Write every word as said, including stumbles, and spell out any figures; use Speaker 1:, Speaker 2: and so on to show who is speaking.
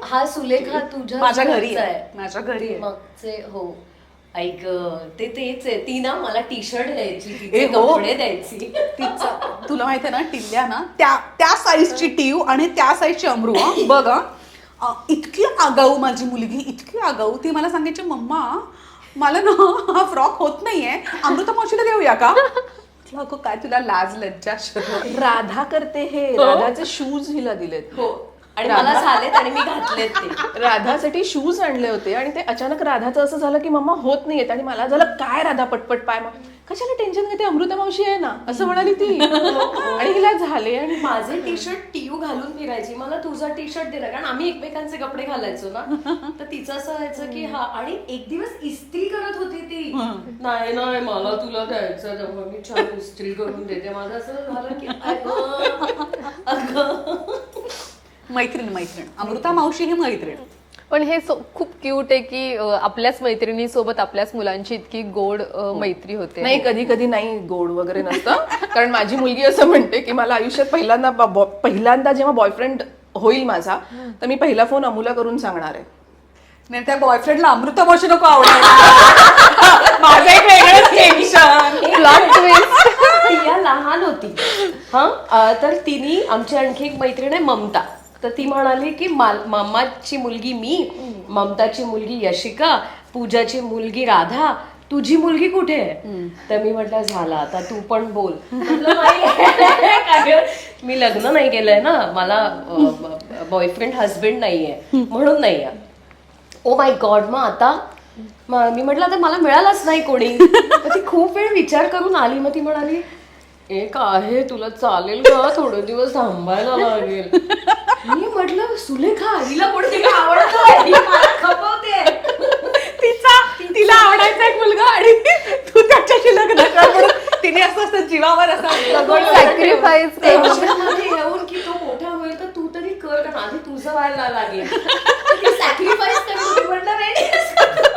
Speaker 1: हा सुलेखा तुझ्या
Speaker 2: माझ्या घरी आहे, माझ्या घरी आहे.
Speaker 1: मगचे हो ऐक ते तेच आहे. ती ना मला टी शर्ट द्यायची,
Speaker 2: ए,
Speaker 1: तिचे
Speaker 2: हो.
Speaker 1: कपडे द्यायची.
Speaker 2: तिचा तुला माहिती आहे ना, टिल्ल्या ना त्या त्या साईजची टीव आणि त्या साईजची अमरू हा बघ हा. अ, इतकी आगाऊ माझी मुलगी, इतकी आगाऊ. ती मला सांगायची मम्मा मला ना हा फ्रॉक होत नाहीये, अमृता मावशीला देऊया का? म्हटलं, अगं काय तुला लाज लज्जा शरम.
Speaker 3: राधा करते हे, राधाचे शूज हिला दिलेत.
Speaker 1: हो आणि मला झालेत आणि मी घातलेत ते.
Speaker 3: राधासाठी शूज आणले होते आणि ते अचानक राधाचं असं झालं की मम्मा होत नाहीयेत आणि मला झालं काय राधा पटपट पाय मग कशाला टेन्शन घेते, अमृता मावशी आहे ना असं म्हणाली ती. आणि हिला झाले आणि
Speaker 1: माझे टी शर्ट टीयू घालून फिरायची, मला तुझा टी शर्ट दिला, कारण आम्ही एकमेकांचे कपडे घालायचो ना. तर तिचं असं व्हायचं की हा, आणि एक दिवस इस्त्री करत होती ती. नाही नाही मला तुला द्यायचं त्यामुळे मी छान इस्त्री करून देते. माझं असं झालं की अगं अगं
Speaker 2: मैत्रीण मैत्रीण अमृता मावशी ही मैत्रीण.
Speaker 4: पण हे सो- खूप क्यूट आहे की अ, आपल्याच मैत्रिणीसोबत आपल्याच मुलांची इतकी गोड अ, मैत्री होते.
Speaker 3: नाही कधी कधी नाही गोड वगैरे नसतं. कारण माझी मुलगी असं म्हणते की मला आयुष्यात पहिल्यांदा ब- ब- पहिल्यांदा जेव्हा बॉयफ्रेंड होईल माझा तर मी पहिला फोन अमूला करून सांगणार आहे.
Speaker 2: नाही त्या बॉयफ्रेंडला अमृता मावशी नको आवडायला. माझं एक वेगळंच टेन्शन.
Speaker 4: Plot twist.
Speaker 1: ती या लहान होती हा अं, तर तिने आमची आणखी एक मैत्रीण आहे ममता. तर ती म्हणाली की माल- मामाची मुलगी मी, ममताची मुलगी यशिका, पूजाची मुलगी राधा, तुझी मुलगी कुठे आहे? तर मी म्हटलं झाला आता तू पण बोल. म्हटलं, "नाही, काय मी लग्न नाही केलंय ना, मला बॉयफ्रेंड हस्बंड नाहीये म्हणून नाही आहे." Oh my god. मग आता म- मी म्हटलं आता मला मिळालंच नाही कोणी. तर ती खूप वेळ विचार करून आली. मग ती म्हणाली एक आहे तुला चालेल का, थोडे दिवस थांबायला लागेल. मी म्हटलं सुलेखा हिला कोणती का आवडतं, ही मला खपवते.
Speaker 2: तिचा तिला आवडायचा एक मुलगा आणि तू त्याच्याशी लग्न कर म्हणून तिने असं असं जीवावर असं
Speaker 4: सॅक्रिफाईस
Speaker 1: टेन्शन मध्ये येऊन की तो मोठा होईल तर तू तरी कर, कारण आधी तुझं व्हायला लागेल. सॅक्रिफाईस कर म्हटलं नाही